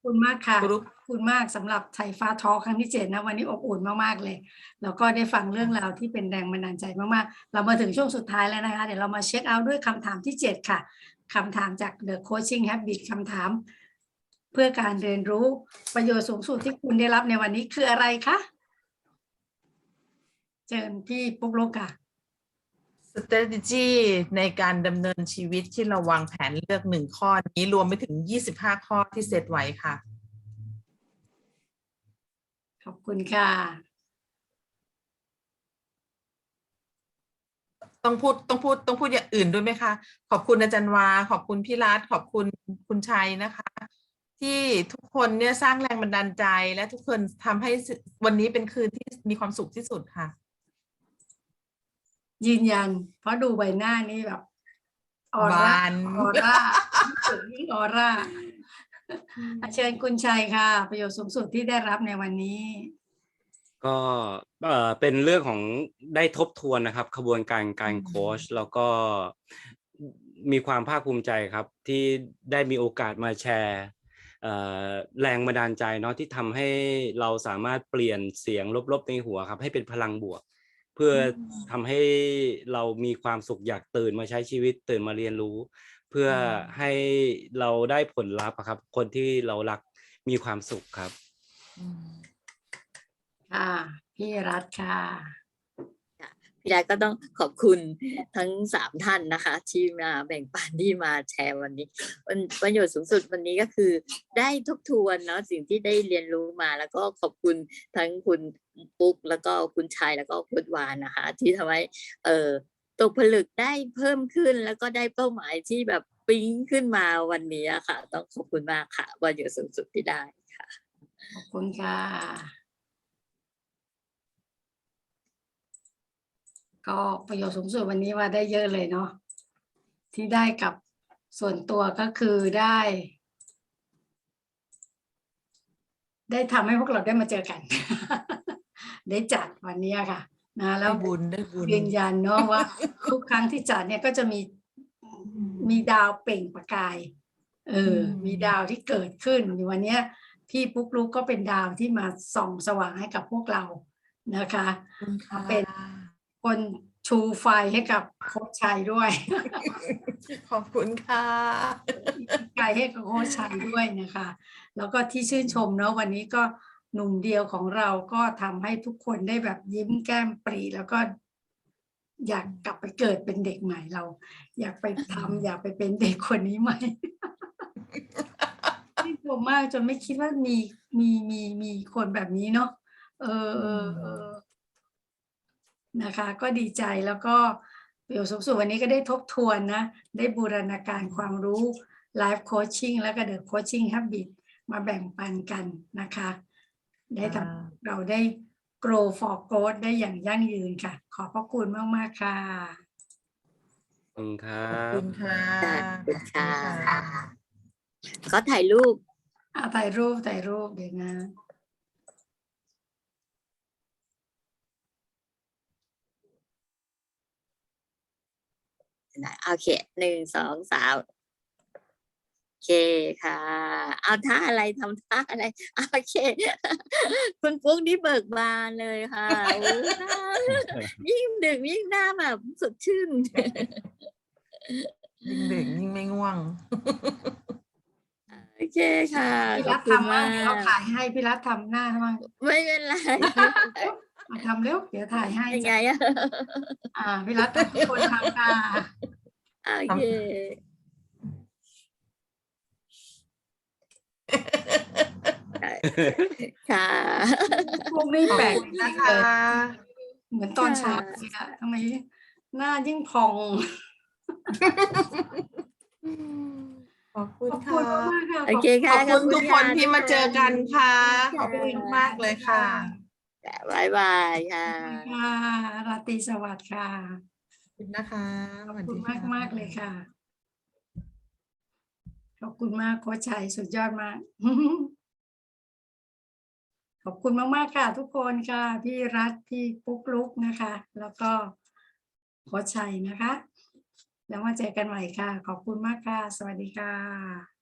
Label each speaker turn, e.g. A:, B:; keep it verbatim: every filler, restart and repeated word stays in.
A: คุณมากค่ะ
B: คุณลูก
A: ขอบคุณมากสำหรับไทยฟ้าทอล์คครั้งที่ เจ็ด นะ วันนี้อบอุ่นมาก ๆ เลย แล้วก็ได้ฟังเรื่องราวที่เป็นแรงบันดาลใจมาก ๆ เรามาถึงช่วงสุดท้ายแล้วนะคะ เดี๋ยวเรามาเช็กเอาต์ด้วยคำถามที่ เจ็ด ค่ะ คำถามจาก The Coaching Habit คำถามเพื่อการเรียนรู้ ประโยชน์สูงสุดที่คุณได้รับในวันนี้คืออะไรคะ? เชิญพี่ปุ๊กลุกค่ะ
B: strategy ในการดำเนินชีวิตที่เราวางแผนเลือก หนึ่ง ข้อนี้รวมไปถึง ยี่สิบห้า ข้อที่เซตไว้ค่ะ
A: ขอบคุณค่ะ
B: ต้องพูด ต้องพูด ต้องพูดอย่างอื่นด้วยไหมคะ? ขอบคุณอาจารย์วา ขอบคุณพี่รัฐ ขอบคุณคุณชัยนะคะ ที่ทุกคนเนี่ยสร้างแรงบันดาลใจ และทุกคนทำให้ ส วันนี้เป็นคืนที่มีความสุขที่สุดค่ะ
A: ยืนยัน เพราะดูใบหน้านี่แบบ ออ
B: บ
A: รา
B: าน
A: ออรา ยิ่งสุดยิ่งออรา อ่า เชิญคุณชัยค่ะ ประโยชน์สูงสุดที่ได้รับในวันนี้
C: ก็ เอ่อ เป็นเรื่องของได้ทบทวนนะครับขบวนการกา
B: อื
C: รโคช
B: ม
C: แล้วก็ อ มีความภาคภูมิใจครับที่ได้มีโอกาสมาแชร์ เอ่อ แรงบันดาลใจเนาะ ที่ทำให้เราสามารถเปลี่ยนเสียงลบ ๆ ในหัวครับให้เป็นพลังบวก เพื่อ
B: อื
C: ท
B: ม
C: ำให้เรามีความสุขอยากตื่นมาใช้ชีวิต ตื่นมาเรียนรู้ เพื่อ
B: อื
C: ให
B: ม
C: ้เราได้ผลลัพธ์อะครับ คนที่เรารักมีความสุขครับ
B: อืม
A: ค่ะ พี่รัฐค่ะ
D: ค่ะ พี่รัฐก็ต้องขอบคุณทั้ง สาม ท่านนะคะ ที่มาแบ่งปัน ที่มาแชร์วันนี้ วัน ประโยชน์สูงสุดวันนี้ก็คือได้ทบทวนเนาะสิ่งที่ได้เรียนรู้มา แล้วก็ขอบคุณทั้งคุณ อ ปุ๊ก แล้วก็คุณชัย แล้วก็คุณวานะคะ ที่ทำให้ เอ่อ ตกผลึกได้เพิ่มขึ้น แล้วก็ได้เป้าหมายที่แบบปิ๊งขึ้นมาวันนี้อะค่ะ ต้องขอบคุณมากค่ะ ประโยชน์สูงสุดที่ได้ค่ะ
A: ขอบคุณค่ะ ก็ประโยชน์สูงสุดวันนี้ว่าได้เยอะเลยเนาะ ที่ได้กับส่วนตัวก็คือได้ ได้ทำให้พวกเราได้มาเจอกัน ได้จัดวันเนี้ยค่ะ นะ แล
B: ได้้
A: ว
B: บุญ ได้บุญ
A: ยืนยันเนาะว่า ทุกครั้งที่จัดเนี่ยก็จะมี
B: อื
A: มี
B: ม
A: ดาวเปล่งประกาย เอ
B: อื
A: อ มีดา
B: ม
A: วที่เกิดขึ้น อย่างวันเนี้ยพี่ปุ๊กลุกก็เป็นดาวที่มาส่องสว่างให้กับพวกเรานะคะ
B: ขอบคุณค
A: มา
B: ่
A: เป็น
B: ะ
A: คนชูไฟให้กับโคชชัยด้วย
B: ขอบคุณค่ะ
A: ใจให้กับโคชชัยด้วยนะคะ แล้วก็ที่ชื่นชมเนาะ วันนี้ก็หนุ่มเดียวของเราก็ทำให้ทุกคนได้แบบยิ้มแก้มปริ แล้วก็อยากกลับไปเกิดเป็นเด็กใหม่ เราอยากไปทำ อยากไปเป็น เด็กคนนี้ใหม่ ชื่นชมมากจนไม่คิดว่ามี มี มี มีคนแบบนี้เนาะ เอ
B: อื
A: อ
B: ม
A: ๆ ๆ นะคะ ก็ดีใจ แล้วก็ประโยชน์สูงสุดวันนี้ก็ได้ทบทวนนะ ได้บูรณาการความรู้ Life Coaching แล้วก็ The Coaching Habit มาแบ่งปันกันนะคะ ได้
B: ค่
A: ท
B: ะ
A: ำเราได้ Grow for Growth ได้อย่างยั่งยืนค่ะ ขอบพระคุณมาก ๆ ค่ะ
C: ขอบคุณครั
B: ขอบคุ
C: บ
B: ณค่ะ
D: ค่ะ ขอบคุ
B: ข
D: ณ
B: อบ
D: ค
B: คุ
D: ่ะ
B: ณค่ะ
D: ขอถ่ายรูป
A: อ่า ถ่ายรูป ถ่ายรูป เดี๋ยวนะ
D: ไหน โอเค หนึ่ง สอง สาม โอเคค่ะ เอาท่าอะไร ทำท่าอะไร? โอเค คุณปุ๊กนี่เบิกบานเลยค่ะ โอ้ หน้า ยิ่งดึกยิ่งหน้าแบบสดชื่น
B: ยิ่งดึกยิ่งไม่ง่วง
D: โอเคค่ะ
A: พี่ร
D: ขอับ
A: ฐท
D: คุณ
A: ำ
D: ม
A: มั่
D: า
A: ง เดี๋ยวเรา
D: ก
A: ถ่ายให้ พี่รัฐทำหน้าให้มั่ง
D: ไม่เป็นไร ไม่เป็นไร
A: มาทำเร็ว เดี๋ยวถ่ายให้
D: ยังไง
A: จ้ะ
D: อะ?
A: อ่า พี่รัฐทำ ทุกคนทำค่ะ
D: โอ
B: ท
D: เค ใช่ ค่ะ
A: พวกนี้
B: ขอ
A: แปลก
B: บคุณ
A: จ
B: นะค
A: ริง ๆ เล
B: ะ
A: ย เหมือนต
D: ค
A: อน่เช้า
D: ะ
A: เลยอะ ทำไมหน้ายิ่งพอง
B: ขอบคุณค
A: ขอบคุ
B: ่
A: ณ
B: ะ
A: มาก ๆ ค่ะ
D: โอ
A: ขอบ
D: เคค
B: ข่
D: ะ
B: อบ
D: ขอบคุ
B: คุณทุ
D: ณ
B: กค
D: ค่ะ
B: นท
D: ทุ
B: ี่
D: ก
B: มาเจอ
D: คน
B: กันค่ะ
D: ค
B: ขอ่บคุณ
D: ะ
B: มากเลยค่ะ
D: ค่ะ บ๊ายบายค่
A: ขอบคุณ
D: ะ
A: ค่ะ ราตรีสวัสดิ์ค่ะ
B: ขอบคุณนะคะ
A: ขอบค
B: สวัสุด
A: ณี
B: ค่
A: มาก ๆ เลย
B: ะ
A: ค่ะ ขอบคุณมากโคชชัย สุดยอดมาก ขอบคุณมาก ๆ ค่ะทุกคนค่ะ พี่รัฐ พี่ปุ๊กลุกนะคะ แล้วก็โคชชัยนะคะ แล้วมาเจอกันใหม่ค่ะ ขอบคุณมากค่ะ สวัสดีค่ะ